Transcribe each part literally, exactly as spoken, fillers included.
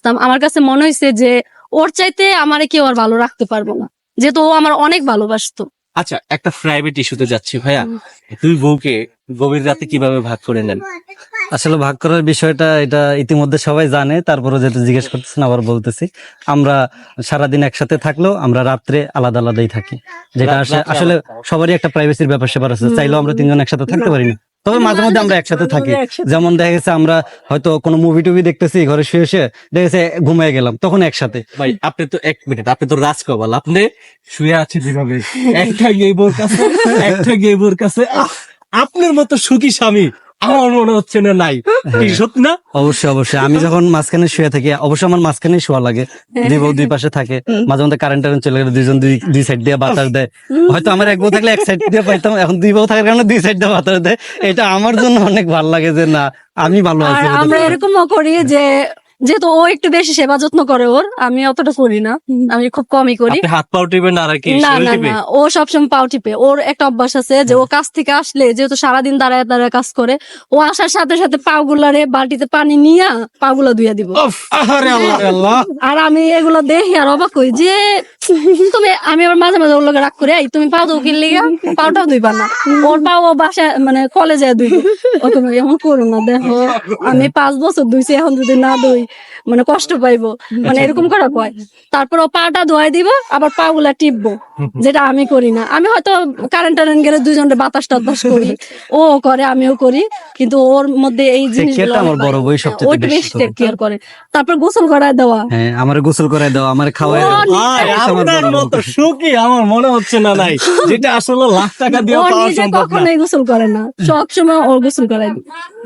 ভালোবাসতাম, আমার কাছে মনে হয়েছে যে ওর চাইতে আমারে কেউ আর ভালো রাখতে পারবো না, যেহেতু ও আমার অনেক ভালোবাসতো। আচ্ছা, একটা প্রাইভেট ইস্যুতে যাচ্ছি ভাইয়া, দুই বউকে গভীর রাতে কিভাবে ভাগ করে নেন? আসলে ভাগ করার বিষয়টা এটা ইতিমধ্যে সবাই জানে, তারপরে যেহেতু জিজ্ঞেস করতেছেন আবার বলতেছি। আমরা সারাদিন একসাথে থাকলেও আমরা রাত্রে আলাদা আলাদাই থাকি, যেটা আসে- আসলে সবারই একটা প্রাইভেসির ব্যাপার স্যাপার আছে। চাইলেও আমরা তিনজন একসাথে থাকতে পারি না, তবে মাঝে মধ্যে আমরা একসাথে থাকি। যেমন দেখা গেছে আমরা হয়তো কোনো মুভি টুভি দেখতেছি, ঘরে শুয়ে শুয়ে দেখা গেছে ঘুমিয়ে গেলাম, তখন একসাথে। ভাই আপনি তো এক মিনিট, আপনি তো রাজকপাল, আপনি শুয়ে আছেন যেভাবে, একটা গেই বোর কাছে একটা গেই বোর কাছে, আহ, আপনার মতো সুখী স্বামী আমার মনে হচ্ছে না নাই, কি সত্যি না? অবশ্যই অবশ্যই, আমি যখন মাঝখানে শুয়ে থাকি, অবশ্যই আমার মাঝখানে শোয়া লাগে, দুই বউ দুই পাশে থাকে। মাঝে মধ্যে কারেন্ট টারেন্ট চলে গেলে দুইজন দুই দুই সাইড দিয়ে বাতাস দেয়। হয়তো আমার এক বউ থাকলে এক সাইড দিয়ে পাইতাম, এখন দুই বউ থাকার কারণে দুই সাইড দিয়ে বাতাস দেয়। এটা আমার জন্য অনেক ভালো লাগে যে না, আমি ভালো আর আছি। আমরা এরকমও করি যে যেহেতু ও একটু বেশি সেবা যত্ন করে ওর, আমি অতটা করি না, আমি খুব কমই করি। আপনি হাত পাও টিপেন আর কি না শরীর না টিপে? না, ও সবসময় পাও টিপে। ওর একটা অভ্যাস আছে যে ও কাজ থেকে আসলে, যেহেতু সারাদিন দাঁড়ায় দাঁড়ায় কাজ করে, ও আসার সাথে সাথে পা গুলারে বালতিতে পানি নিয়ে পা গুলা ধুইয়া দিব। উফ, আহারে আল্লাহ রে আল্লাহ। আর আমি এগুলো দেখি আর অবাক হই যে তুমি, আমি আবার মাঝে মাঝে ওর লগে রাগ করে, এই তুমি পাও তো কিনলে পাওটাও ধুইবা না, ওর পাও ও বাসায় মানে কলেজে ধুই। ও তুমি এমন করো না, দেখো আমি পাঁচ বছর ধুইছি, এখন যদি না ধুই মানে কষ্ট পাইবো, মানে এরকম করা কয়। তারপর ও পাটা ধোয়াই দিব, আবার পা গুলা টিপবো, যেটা আমি করি না। আমি হয়তো কারেন্ট টারেন্ট গেলে দুইজনের বাতাস টাতাস করি, ও করে আমিও করি, কিন্তু ওর মধ্যে এই জিনিসগুলো আমার বড় বই সবচেয়ে ওইটা বেশি বেশি টেক কেয়ার করে। তারপর গোসল করায় দেওয়া, হ্যাঁ, আমার গোসল করে দাও, আমার খাওয়াই দাও। ভাই, আপনার মতো সুখী আমার মনে হচ্ছে না নাই, যেটা আসলে লাখ টাকা দিয়ে ও পাওয়া নিজে সম্ভব না। কখনোই গোসল করে না, সব সময় ও গোসল করায় দিই।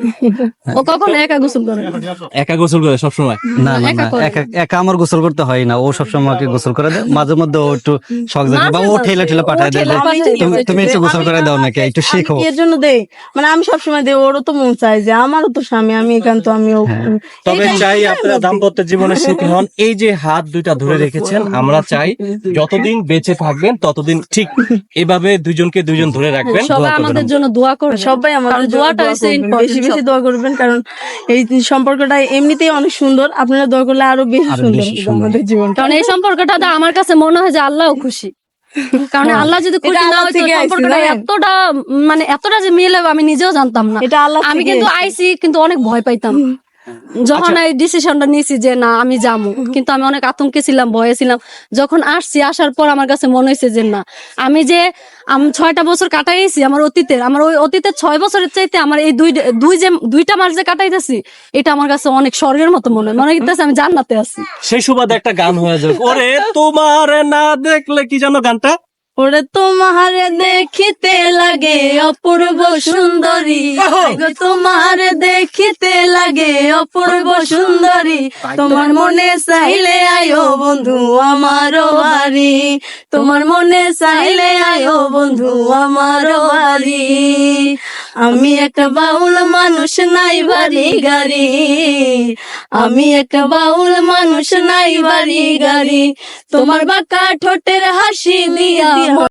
ও কখনো একা গোসল করে না। একা গোসল করে সবসময়? না না একা না, করে। একা একা আমার গোসল করতে হয় না, ও সবসময় আমাকে গোসল করে দেয়। মাঝে মধ্যে ও একটু শখ জাগে বা ও মাঝে ঠেলা ঠেলা মাঝে, পাঠায় ও দেয়, ঠেলা যে, পাঠায় তুমি দেয়। তুমি একটু গোসল করে দাও নাকি, একটু শিখো। এর জন্য দেই, মানে আমি সবসময় দেই, ওরও তো মন চাই যে আমারও তো স্বামী, আমি একান্ত আমিও। তবে চাই আপনারা দাম্পত্য জীবনে সুখী হন। এই যে হাত দুইটা ধরে রেখেছেন, আমরা চাই যতদিন বেঁচে থাকবেন ততদিন ঠিক এভাবে দুইজনকে দুইজন ধরে রাখবেন। সবাই দোয়া করবেন আমাদের আমাদের। জন্য দোয়া করবে, সবাই আমাদের কারণ জন্য দোয়াটা দোয়া হচ্ছে করবেন, important বেশি বেশি সব। দোয়া করবেন, কারণ এই সম্পর্কটা এমনিতেই অনেক সুন্দর, আপনারা দোয়া করলে আরো বেশি আরো সুন্দর বেশি হবে সুন্দর। আমাদের জীবন। কারণ এই সম্পর্কটা আমার কাছে মনে হয় যে আল্লাহও খুশি, কারণ আল্লাহ যদি খুশি এটা না আল্লাহ হইতো থেকে আইছে, সম্পর্কটা জানেন? এতটা মানে এতটা যে মিলে আমি নিজেও জানতাম না। এটা আল্লাহ আমি থেকে কিন্তু আইছে। আইসি, কিন্তু অনেক ভয় পাইতাম যখন এই ডিসিশনটা নিয়েছি যে না আমি যাবো, কিন্তু আমি অনেক আতঙ্কে ছিলাম, ভয়ে ছিলাম। যখন আসছি, আসার পর আমার কাছে মনে হয়েছে যে না, আমি যে আমি ছয়টা বছর কাটাইছি আমার অতীতের, আমার ওই অতীতের ছয় বছরের চাইতে আমার এই দুই দুই যে দুইটা মাস যে কাটাইতেছি, এটা আমার কাছে অনেক স্বর্গের মতো মনে হয়, মনে হইতেছে আমি জান্নাতে আছি। সেই সুবাদে একটা গান হয়ে যাবে, ওরে তোমার না দেখলে, কি জানো গানটা? ওরে তোমার দেখিতে লাগে অপূর্ব সুন্দরী, গো তোমার দেখিতে লাগে অপূর্ব সুন্দরী, তোমার মনে চাইলে আয়ো বন্ধু আমারও বাড়ি, তোমার মনে চাইলে আয়ো বন্ধু আমারও বাড়ি। আমি একটা বাউল মানুষ, নাই বাড়ি গাড়ি, আমি একটা বাউল মানুষ, নাই বাড়ি গাড়ি, তোমার বাঁকা ঠোঁটের হাসি দিয়া